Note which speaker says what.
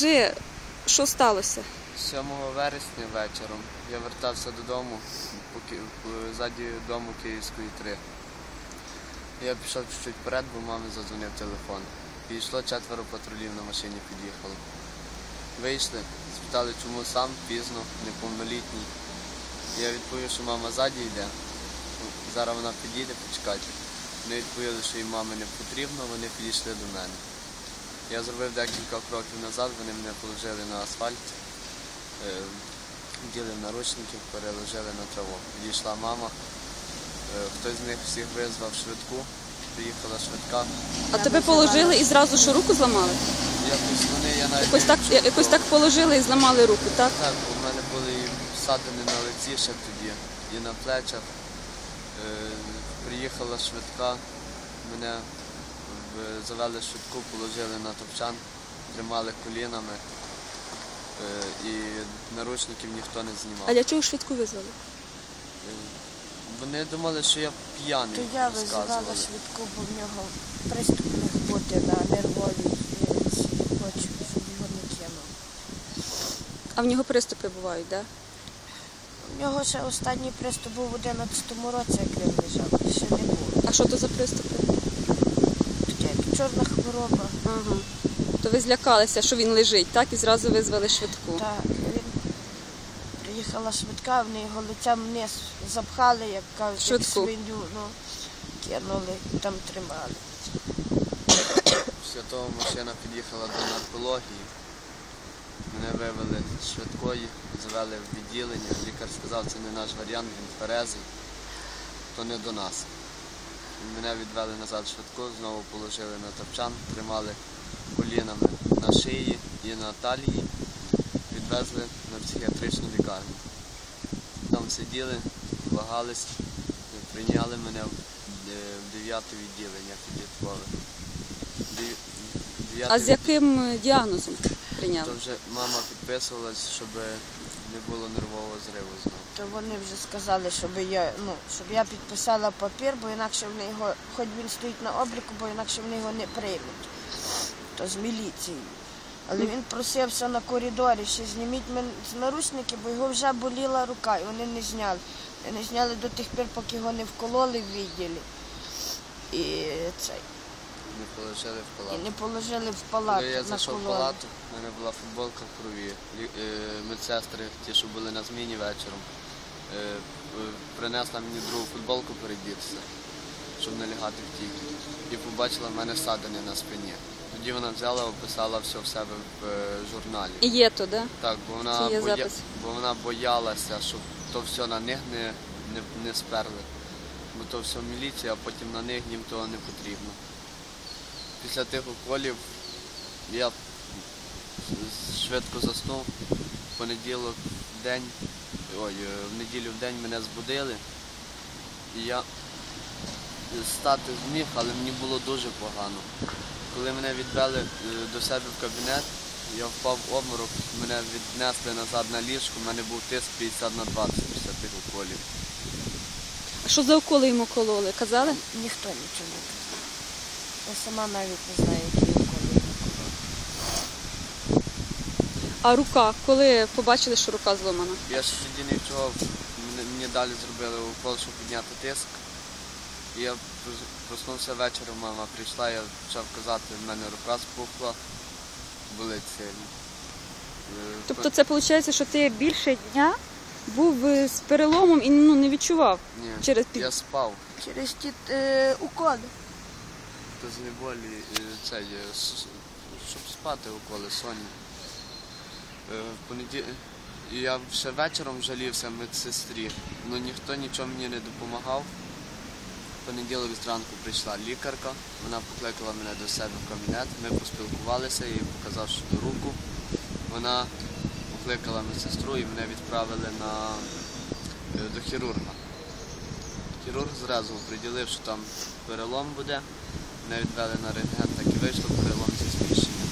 Speaker 1: Розкажи, що сталося?
Speaker 2: 7 вересня вечором я вертався додому, ззаді дому Київської 3. Я пішов чуть-чуть вперед, бо мамі задзвонив телефон. Підійшло 4 патрулів на машині, під'їхало. Вийшли, спитали, чому сам, пізно, неповнолітній. Я відповів, що мама ззаді йде. Зараз вона підійде, почекайте. Вони відповіли, що їм мами не потрібно, вони підійшли до мене. Я зробив декілька кроків назад, вони мене положили на асфальт, вділи наручники, переложили на траву. Підійшла мама, хтось з них всіх визвав швидку, приїхала швидка.
Speaker 1: А тебе положили і зразу що, руку зламали?
Speaker 2: Я навіть
Speaker 1: Якось так положили і зламали руку, так?
Speaker 2: Так, у мене були і ссадини на лиці ще тоді, і на плечах. Приїхала швидка, мене завели швидку, положили на топчан, тримали колінами і наручників ніхто не знімав.
Speaker 1: А для чого швидку визвали?
Speaker 2: Вони думали, що я п'яний.
Speaker 3: То я визивала швидку, бо в нього приступ міг бути на нервовій клітці. Хочу, щоб його не кинув.
Speaker 1: А в нього приступи бувають, так?
Speaker 3: У нього ще останній приступ був у 11-му році, як він лежав, ще не було.
Speaker 1: А що то за приступи?
Speaker 3: Таке чорна хвороба.
Speaker 1: Ага. То ви злякалися, що він лежить, так? І зразу визвали швидку.
Speaker 3: Так, приїхала швидка, вони його лицем вниз запхали, як кажуть,
Speaker 1: Швидку.
Speaker 3: свиню, кинули, там тримали.
Speaker 2: Після того машина під'їхала до наркології. Мене вивели з швидкої, завели в відділення. Лікар сказав, це не наш варіант, він тверезий, то не до нас. Мене відвели назад в швидку, знову положили на топчан, тримали колінами на шиї і на талії, відвезли на психіатричну лікарню. Там сиділи, вагались, прийняли мене в 9-те відділення підліткове.
Speaker 1: А з яким діагнозом прийняли?
Speaker 2: То вже мама підписувалась, щоб не було нервового зриву знову.
Speaker 3: То вони вже сказали, щоб я підписала папір, бо інакше вони його, хоч він стоїть на обліку, бо інакше вони його не приймуть. То з міліцією. Але він просився на коридорі, що зніміть мене з наручники, бо його вже боліла рука, і вони не зняли. Не зняли до тих пір, поки його не вкололи в відділі.
Speaker 2: Не положили в палату.
Speaker 3: І не положили в палату.
Speaker 2: Коли я зайшов в палату, в мене була футболка в крові. Медсестри, ті, що були на зміні вечором, принесла мені другу футболку передітися, щоб не лягати в тій. І побачила в мене ссадини на спині. Тоді вона взяла, описала все в себе в журналі.
Speaker 1: І є то, да?
Speaker 2: Так, бо вона боялася, щоб то все на них не сперли. Бо то все міліція, а потім на них їм того не потрібно. Після тих уколів я швидко заснув. В неділю в день мене збудили. І я стати зміг, але мені було дуже погано. Коли мене відвели до себе в кабінет, я впав в обморок, мене віднесли назад на ліжку, в мене був тиск 50/20 після тих уколів.
Speaker 1: А що за уколи йому кололи? Казали?
Speaker 3: Ніхто нічого не казав. Я сама навіть не знаю, які уколи йому кололи.
Speaker 1: А рука? Коли побачили, що рука зломана?
Speaker 2: Я ще тоді не відчував, мені далі зробили укол, щоб підняти тиск. І я проснувся вечором, мама прийшла, я почав казати, в мене рука спухла, болить сильно.
Speaker 1: Тобто це виходить, що ти більше дня був з переломом і не відчував?
Speaker 2: Ні, я спав.
Speaker 3: Через ті уколи.
Speaker 2: То з неболі, щоб спати уколи, сонні. І я ще вечором жалівся медсестрі, але ніхто нічого мені не допомагав. В понеділок зранку прийшла лікарка, вона покликала мене до себе в кабінет, ми поспілкувалися, я їй показав руку. Вона покликала медсестру і мене відправили до хірурга. Хірург зразу приділив, що там перелом буде, мене відвели на рентген, так і вийшло, перелом зі зміщенням.